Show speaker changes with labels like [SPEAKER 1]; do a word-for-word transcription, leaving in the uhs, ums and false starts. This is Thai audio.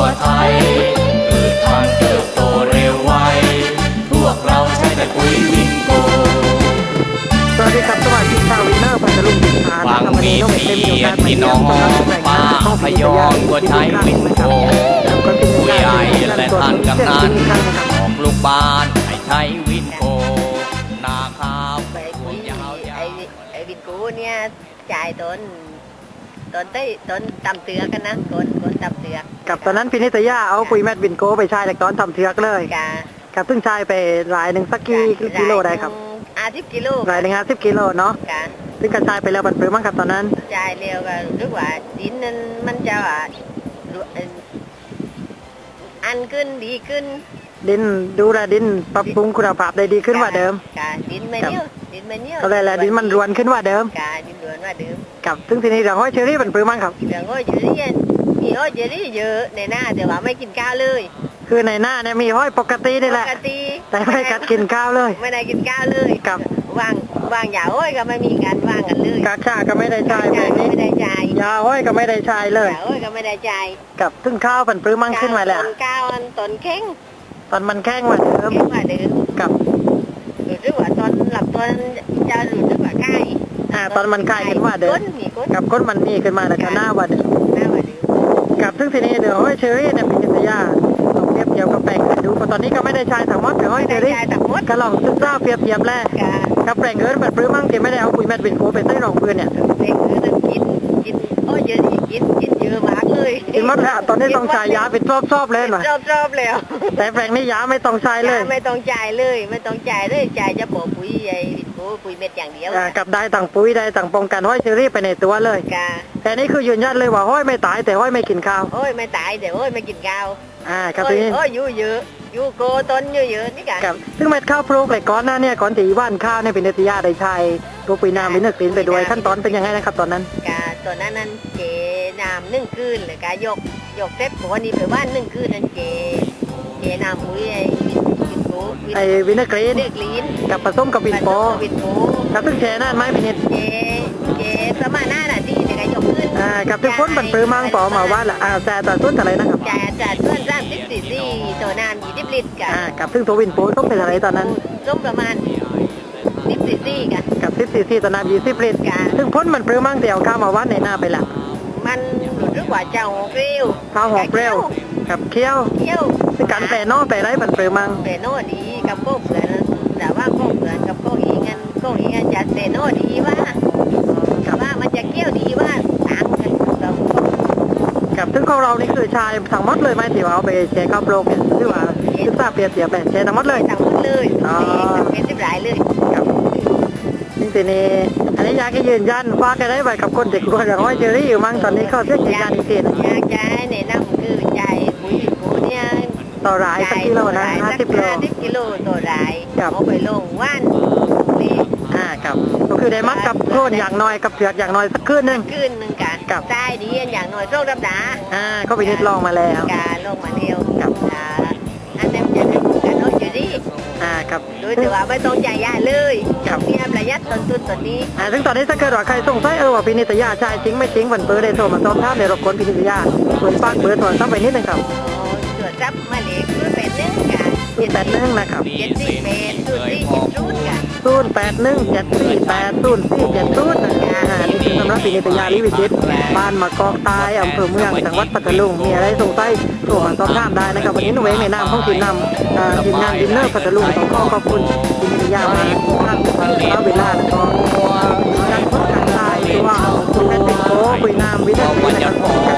[SPEAKER 1] ไทยเกิดทางเติบโตเร็วไวพวกเราใช้แต่ปุ๋ยวินโก
[SPEAKER 2] สวัสดีครับสวัสดีชาววินเนอร์พัทลุงดิษา
[SPEAKER 1] บางมีเพียรที่น้องป้าพยองก็ใช้วินโกผู้ใหญ่และท่านกำนันของลูกบ้านให้ใช้วินโกนาข้าว
[SPEAKER 3] ไอ้ไอ้วินกูเนี่ยจ่ายต้นต้นได้ต้นตำเตือกันนะต้นต้นตำเตือ
[SPEAKER 2] กับตอนนั้นพินิตยาเอาปุ๋ยแมดวินโกไปใช้ตอนทำเทือกเลยกับซึ่งใช้ไปหลายหนึ่งสักกี่กิโลได้ครับ
[SPEAKER 3] อาทิตย์กิโล
[SPEAKER 2] หลายหนึ่งอาทิตย์กิโลเนาะซึ่งกระจายไปแล้วบันปรือมั้งครับตอนนั้น
[SPEAKER 3] จ่ายเร็วก็รู้ว่าดินนั้นมันจะว่าอันขึ้นดีขึ้น
[SPEAKER 2] ดินดูแลดินปรับปรุงคุณภาพได้ดีขึ้นกว่าเดิม
[SPEAKER 3] ดินไม่เนี้ยดินไม่เนี้ย
[SPEAKER 2] ก็เลยแหละดินมันรวนขึ้นกว่าเดิม
[SPEAKER 3] ดินรวนกว่าเดิม
[SPEAKER 2] กับซึ่งทีนี้เรื่องห้อยเชอรี่บันปรือมั้งครับ
[SPEAKER 3] เรื่องห้อยเชอรี่มีห้อยเชอรี่เยอะในหน้าแต่ว่าไม่กินข้าวเลย
[SPEAKER 2] คือในหน้าเนี่ยมีห้อยปกตินี่แหละแต่ไม่กัดกินข้าวเลย
[SPEAKER 3] ไม่ได้กินข้าวเลย
[SPEAKER 2] กับ
[SPEAKER 3] ว่างว่างยาห้อยก็ไม่มีการว่างกันเลย
[SPEAKER 2] กาชาก็ไม่ได้ใช้
[SPEAKER 3] ไม่ได้ใช้
[SPEAKER 2] ยาห้อยก็ไม่ได้ใช้เลย
[SPEAKER 3] ยาห้อยก็ไม่ได้ใช้
[SPEAKER 2] กับซึ่งข้าวบันปรือมั้งขึ้นมาแล้ว
[SPEAKER 3] ต้นข้าวต้นแข้ง
[SPEAKER 2] ตอนมันแข้งกว่าเดิม
[SPEAKER 3] กว่าเดิม
[SPEAKER 2] กับ
[SPEAKER 3] หรือว่าตอนหลับตอนจะหลุดหรือว่าไข้
[SPEAKER 2] อ่าตอนมันไข้ขึ้นว่าเดิมกับก้นมันมีขึ้นมาแล้วก็หน้าว่าเดิม
[SPEAKER 3] หน้าว่าเดิม
[SPEAKER 2] กับซึ่งทีนี้เดี๋ยวห้อยเชอรี่เนี่ยเป็นกิจยาลองเทียบเทียบกับแปลงดูเพราะตอนนี้ก็ไม่ได้ใช้ถังมดกับห้อยเชอรี่ก็ลองศึกษาเปรียบเทียบแล้วกับแปลงเอิร์ธแบบปลื้มมั่งที่ไม่ได้เอาปุ๋ยแมดวินโกไปใส่รองพื้นเนี่ย
[SPEAKER 3] แปลงเอิร์ธกินกินโอ้เยอะกินกินเยอะมากเลย
[SPEAKER 2] กินหมดแล้วตอนนี้ต้องใช้ยาเป็นรอบๆเลยหน่อย
[SPEAKER 3] รอบๆแล้ว
[SPEAKER 2] แต่แปลงนี้ยาไม่ต้องใช้เลย
[SPEAKER 3] ไม่ต้องจ่ายเลยไม่ต้องจ่ายเลยจ่ายจะบอกปุ๋ยไอ้ปุ๋ยเม็ดอย่างเดียว
[SPEAKER 2] กับได้ต่างปุ๋ยได้ต่างป้องกันห้อยเชอรี่ไปในตัวเลยแต่นี่คือยืนยันเลยว่าห้อยไม่ตายแต่ห้อยไม่กินข้าว
[SPEAKER 3] ห้อยไม่ตายแต่ห้อยไม่กินข้าว
[SPEAKER 2] อ่าครับทีนี้
[SPEAKER 3] ห้อยอยู่เยอะอยู่โกต้นเยอะๆนี่กัน
[SPEAKER 2] ซึ่งเม็ดข้าวปลูกเลยก้อนหน้าเนี่ยก้อนตีว่านข้าวเนี่ยเป็นเนติยาได้ใช้ตัวปุ๋ยน้ำวินเนอร์กรีนไปด้วยขั้นตอนเป็นยังไงนะครับตอนนั้น
[SPEAKER 3] กาตอนนั้นนั้นเจน้ำนึ่งคืนเลยกายกยกเซ็ตตัวนี้ไปว่านนึ่งคืนนั่นเจเจน้ำปุ๋ยไอ้วินโป
[SPEAKER 2] ไอ้วินเนอร์กรีนกับผสมกับวินโปกับซึ่งแช่นั่นไหมพี่นิด
[SPEAKER 3] เจเจประมาณห้านาทีเนี่ยกายกขึ้น
[SPEAKER 2] อ่ากับซึ่งพ้นบันปรือมังปอมาว่าละอ่าแช่ต่อต้นอะไรนะครับ
[SPEAKER 3] แช่จัดเพื่อนสร้างสิบสี่สี่ตัวน้ำยี่สิบลิตรกัน
[SPEAKER 2] อ่ากับซึ่งตัววินโปต้องเป็นอะไรตอนนั้น
[SPEAKER 3] ต้มประมาณสิบสี่สี่กัน
[SPEAKER 2] กับสิบสี่สี่ตัวน้ำยี่สิบลิตรซึ่งพ้นมันปรือมังเดียวข้าวมาวัดในหน้าไปละ
[SPEAKER 3] มันหรือว่าเจ้าหอกเร็ว
[SPEAKER 2] ข้าวหอกเร็วกับเคี้ยว
[SPEAKER 3] เคี้ยว
[SPEAKER 2] ซึ่งการแปรนอแปรไรมันปรือมัง
[SPEAKER 3] แปรนอดีกับโก้เผื่อแต่ว่าโก้เผื่อกับโก้อีงันโก้อีงันจะแปรนอดีว่าว่ามันจะเคี้ยวดีว่าต่างกันเรา
[SPEAKER 2] กับซึ่งของเรานี่คือชายทั้งหมดเลยไหมที่ว่าเอาไปแช่ข้าวโพดเนี่ยหรือว่าคือทราบเปรียบเทียบแบบแช่ทั้งหมดเลย
[SPEAKER 3] ทั้งหมดเลยอ๋อเป็นสิบหลายเลย
[SPEAKER 2] ครับจริงๆนี่อันนี้อยากให้ยืนยันว่ากันได้ไปกับคนเด็กคนอย่างห้อยเชอรี่อยู่มั้งตอนนี้เขาเรียกยืนยันอีกที
[SPEAKER 3] อยากจะแนะนำคือใจปุ๋ยปุ๋ยเนี่ย
[SPEAKER 2] ต่อรายสักกิโลนะห้าสิบโล
[SPEAKER 3] ห้าสิบกิโลต่อรายเอาไปลงว่านนี่
[SPEAKER 2] อ่าครับก็คือได้มัดกับโค่นอย่างน้อยกับเผือกอย่างน้อยสักคืนนึง
[SPEAKER 3] คืนนึงกันกับใต้ดีอย่างน้อยโรครับดา
[SPEAKER 2] อ่าก็ไปนิดลองมาแล้ว
[SPEAKER 3] การลงมาเร็วกับอันนั้นจะเป็นการเอาอยู่ดี
[SPEAKER 2] อ่าครับ
[SPEAKER 3] โดยแต่ว่าไม่ต้องจ่ายยาเลยกับมีประหยัดต้นทุนตัวนี้
[SPEAKER 2] อ่าซึ่งตอนนี้ถ้าเกิดว่าใครสงสัยเออว่าพินิตยาใช่จริงไม่จริงวันเปิดได้โทรมาสอบถามในรบกวนพินิตยาส่วนฝากเบอร์โทรศัพท์ไปนิดนึงครับ
[SPEAKER 3] ตรวจรับมาเลยคือเป็นหนึ่งกัน
[SPEAKER 2] ศูนย์แปดหนึ่งนะครับ
[SPEAKER 3] เจ็ดสี่แปดศูนย์สี่เจ็ดศูนย์กัน
[SPEAKER 2] ศูนย์แปดหนึ่งเจ็ดสี่แปดศูนย์สี่เจ็ดศูนย์นะฮะนี่คือสำนักพินิตยาลิวิจิตบ้านมะกอกตายอำเภอเมืองจังหวัดพัทลุงมีอะไรสงสัยโทรมาสอบถามได้นะครับวันนี้หนูเองในนามของทีมนำทีมงานดินเนอร์พัทลุงต้องขอขอบคุณพินิตยามาทางทางเวลาแล้วก็การพบกันได้ตัวคุณแม่ติโก้คุยนามวิทยาศาสตร์